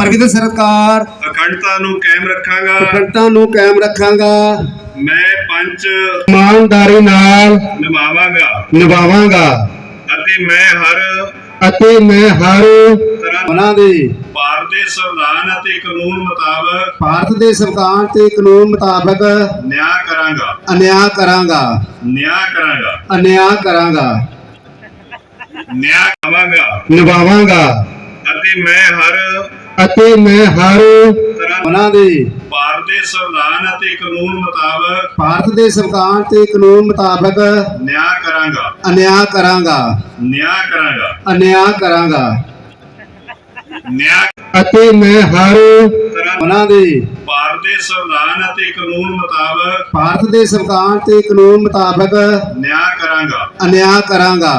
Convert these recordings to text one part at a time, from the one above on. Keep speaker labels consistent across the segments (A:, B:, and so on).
A: ਪ੍ਰਗਟ ਸਰਕਾਰ
B: ਅਖੰਡਤਾ ਨੂੰ ਕਾਇਮ ਰੱਖਾਂਗਾ।
A: ਅਖੰਡਤਾ ਨੂੰ ਕਾਇਮ ਰੱਖਾਂਗਾ।
B: ਮੈਂ ਪੰਚ
A: ਇਮਾਨਦਾਰੀ ਨਾਲ ਨਿਭਾਵਾਂਗਾ ਅਤੇ ਮੈਂ ਹਰ
B: ਤਰ੍ਹਾਂ
A: ਉਹਨਾਂ ਦੇ
B: ਭਾਰਤ ਦੇ ਸੰਵਿਧਾਨ ਅਤੇ ਕਾਨੂੰਨ ਮੁਤਾਬਕ
A: ਭਾਰਤ ਦੇ ਸੰਵਿਧਾਨ ਤੇ ਕਾਨੂੰਨ ਮੁਤਾਬਕ
B: ਨਿਆਂ ਕਰਾਂਗਾ।
A: ਅਨਿਆਂ ਕਰਾਂਗਾ
B: ਨਿਆਂ ਕਰਾਂਗਾ
A: ਨਿਭਾਵਾਂਗਾ ਅਤੇ ਮੈਂ ਹਰ
B: ਤਰ੍ਹਾਂ
A: ਉਹਨਾਂ ਦੇ
B: ਭਾਰਤ ਦੇ ਸੰਵਿਧਾਨ ਅਤੇ ਕਾਨੂੰਨ ਮੁਤਾਬਕ
A: ਭਾਰਤ ਦੇ ਸੰਵਿਧਾਨ ਤੇ ਕਾਨੂੰਨ ਮੁਤਾਬਕ
B: ਨਿਆਂ ਕਰਾਂਗਾ।
A: ਅਨਿਆਂ ਕਰਾਂਗਾ ਅਤੇ ਮੈਂ ਹਰ
B: ਤਰ੍ਹਾਂ
A: ਉਹਨਾਂ ਦੇ
B: ਭਾਰਤ ਦੇ ਸੰਵਿਧਾਨ ਅਤੇ ਕਾਨੂੰਨ ਮੁਤਾਬਕ
A: ਭਾਰਤ ਦੇ ਸੰਵਿਧਾਨ ਤੇ ਕਾਨੂੰਨ ਮੁਤਾਬਕ
B: ਨਿਆਂ ਕਰਾਂਗਾ।
A: ਅਨਿਆਂ ਕਰਾਂਗਾ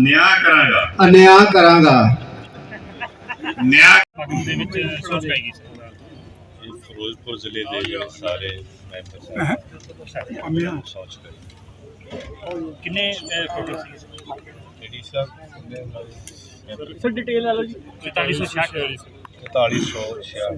B: ਦੇ ਵਿੱਚ ਸੋਚ ਪਾਈ ਗਈ ਫਿਰੋਜ਼ਪੁਰ ਜ਼ਿਲ੍ਹੇ ਦੇ ਜਿਹੜੇ ਸਾਰੇ ਮੈਂਬਰ ਸੋਚ ਕਰੀ
C: ਕਿੰਨੇ ਟੋਟਲ ਸੀ
B: ਏਡੀ ਸਾਹਿਬ
C: ਸਰ ਡਿਟੇਲ ਲੈ ਲਓ ਜੀ 4466
B: 4466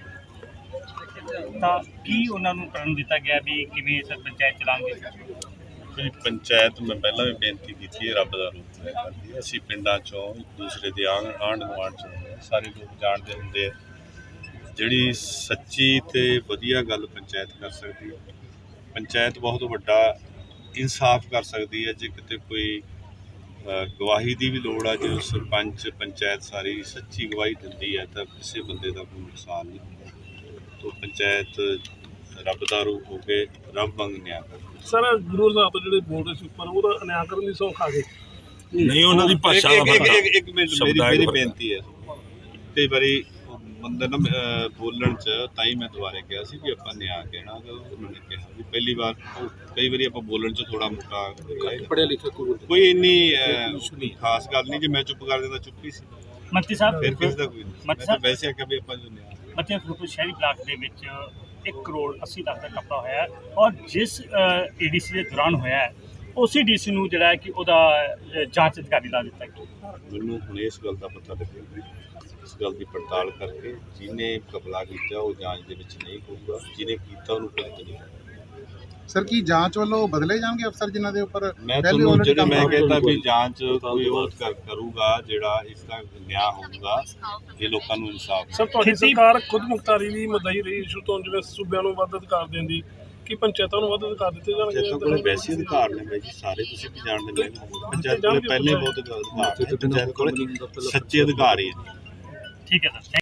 C: ਤਾਂ ਕੀ ਉਹਨਾਂ ਨੂੰ ਕਰਨ ਦਿੱਤਾ ਗਿਆ ਵੀ ਕਿਵੇਂ ਸਰ ਪੰਚਾਇਤ ਚਲਾਉਂਗੇ?
B: ਪੰਚਾਇਤ ਮੈਂ ਪਹਿਲਾਂ ਵੀ ਬੇਨਤੀ ਕੀਤੀ ਹੈ, ਰੱਬ ਦਾ ਰੂਪ ਲੈ ਕਰਦੀ ਹੈ। ਅਸੀਂ ਪਿੰਡਾਂ ਚੋਂ ਇੱਕ ਦੂਸਰੇ ਦੇ ਆਂਢ ਗੁਆਂਢ ਚੋਂ ਸਾਰੇ ਲੋਕ ਜਾਣਦੇ ਹੁੰਦੇ ਆ। ਜਿਹੜੀ ਸੱਚੀ ਤੇ ਵਧੀਆ ਗੱਲ ਪੰਚਾਇਤ ਕਰ ਸਕਦੀ ਹੈ। ਪੰਚਾਇਤ ਬਹੁਤ ਵੱਡਾ ਇਨਸਾਫ ਕਰ ਸਕਦੀ ਹੈ। ਜੇ ਕਿਤੇ ਕੋਈ ਗਵਾਹੀ ਦੀ ਵੀ ਲੋੜ ਆ, ਜੇ ਸਰਪੰਚ ਪੰਚਾਇਤ ਸਾਰੀ ਸੱਚੀ ਗਵਾਹੀ ਦਿੰਦੀ ਹੈ ਤਾਂ ਕਿਸੇ ਬੰਦੇ ਦਾ ਕੋਈ ਨੁਕਸਾਨ ਨਹੀਂ ਹੁੰਦਾ। ਤਾਂ ਪੰਚਾਇਤ ਰੱਬ ਦਾ ਰੂਪ ਹੋ ਕੇ ਰੱਬ ਵਾਂਗ ਨਿਆਂ ਕਰਦੀ।
D: ਸਰ ਗੁਰੂ ਸਾਹਿਬ ਤੋਂ ਜਿਹੜੇ ਬੋਲ ਰਹੇ ਸੀ ਉੱਪਰ ਉਹਦਾ ਅਨਿਆਂ ਕਰਨ ਦੀ ਸੌਖ ਆ ਗਈ
E: ਨਹੀਂ, ਉਹਨਾਂ ਦੀ ਭਾਸ਼ਾ ਦਾ
B: ਇੱਕ ਮਿੰਟ ਮੇਰੀ ਬੇਨਤੀ ਹੈ। ਕਈ ਵਾਰੀ ਬੰਦੇ ਨਾ ਬੋਲਣ 'ਚ ਤਾਂ ਹੀ ਮੈਂ ਦੁਬਾਰੇ ਕਿਹਾ ਸੀ ਵੀ ਆਪਾਂ ਨਿਆਂ ਕਹਿਣਾ। ਉਹਨਾਂ ਨੇ ਕਿਹਾ ਵੀ ਪਹਿਲੀ ਵਾਰ ਕਈ ਵਾਰੀ ਆਪਾਂ ਬੋਲਣ 'ਚ ਥੋੜਾ ਮੋਟਾ
D: ਪੜ੍ਹਿਆ ਲਿਖਿਆ
B: ਕੋਈ ਇੰਨੀ ਖਾਸ ਗੱਲ ਨਹੀਂ। ਜੇ ਮੈਂ ਚੁੱਪ ਕਰ ਦਿੰਦਾ ਚੁੱਪ ਹੀ ਸੀ,
C: ਮੰਤਰੀ ਸਾਹਿਬ
B: ਫਿਰ ਕਿਸੇ ਦਾ ਕੋਈ ਨਹੀਂ। ਮੈਂ ਤਾਂ ਵੈਸੇ ਆਖਿਆ ਵੀ ਆਪਾਂ ਜੋ ਨਿਆਂ
C: ਮੱਧਿਆ ਫਿਰੋਜ਼ਪੁਰ ਸ਼ਹਿਰੀ ਬਲਾਕ ਦੇ ਵਿੱਚ 1 ਕਰੋੜ 80 ਲੱਖ ਦਾ ਘਪਲਾ ਹੋਇਆ ਹੈ ਔਰ ਜਿਸ ਏਡੀਸੀ ਦੇ ਦੌਰਾਨ ਹੋਇਆ ਹੈ ਉਸੇ ਡੀਸੀ ਨੂੰ ਜਿਹੜਾ ਹੈ ਕਿ ਉਹਦਾ ਜਾਂਚ ਅਧਿਕਾਰੀ ਲਾ ਦਿੱਤਾ ਗਿਆ।
B: ਮੈਨੂੰ ਹੁਣ ਇਸ ਗੱਲ ਦਾ ਪਤਾ ਲੱਗਿਆ ਵੀ ਇਸ ਗੱਲ ਦੀ ਪੜਤਾਲ ਕਰਕੇ ਜਿਹਨੇ ਘਪਲਾ ਕੀਤਾ ਉਹ ਜਾਂਚ ਦੇ ਵਿੱਚ ਨਹੀਂ ਹੋਊਗਾ, ਜਿਹਨੇ ਕੀਤਾ ਉਹਨੂੰ ਭੁਗਤਣਾ ਨਹੀਂ।
F: ਸਰ ਕੀ ਜਾਂਚ ਵੱਲੋਂ ਬਦਲੇ ਜਾਣਗੇ ਅਫਸਰ ਜਿਨ੍ਹਾਂ ਦੇ ਉੱਪਰ
B: ਮੈਂ ਤੁਹਾਨੂੰ ਜਿਹੜੇ ਮੈਂ ਕਹਿੰਦਾ ਵੀ ਜਾਂਚ ਕੋਈ ਉਹ ਕਰੂਗਾ ਜਿਹੜਾ ਇਸ ਦਾ ਨਿਆਂ ਹੋਊਗਾ, ਇਹ ਲੋਕਾਂ ਨੂੰ ਇਨਸਾਫ।
D: ਸਰ ਤੁਹਾਡੀ ਸਰਕਾਰ ਖੁਦ ਮੁਖਤਾਰੀ ਦੀ ਮਦਈ ਰਹੀ ਇਸ਼ੂ ਤੋਂ, ਜਿਵੇਂ ਸੂਬਿਆਂ ਨੂੰ ਵੱਧ ਅਧਿਕਾਰ ਦਿੰਦੀ ਕਿ ਪੰਚਾਇਤਾਂ ਨੂੰ ਵੱਧ ਅਧਿਕਾਰ ਦਿੱਤੇ
B: ਪੰਚਾਇਤਾਂ ਕੋਲ
D: ਜਾਣਗੇ?
B: ਵੈਸੇ ਅਧਿਕਾਰ ਨੇ ਬਾਈ ਜੀ, ਸਾਰੇ ਤੁਸੀਂ ਵੀ ਜਾਣਦੇ ਨੇ। ਪੰਚਾਇਤ ਕੋਲ ਪਹਿਲੇ ਬਹੁਤ ਅਧਿਕਾਰ ਨੇ, ਪੰਚਾਇਤ ਕੋਲ ਸੱਚੇ ਅਧਿਕਾਰ ਹੀ ਹੈ।
C: ਠੀਕ ਹੈ ਸਰ।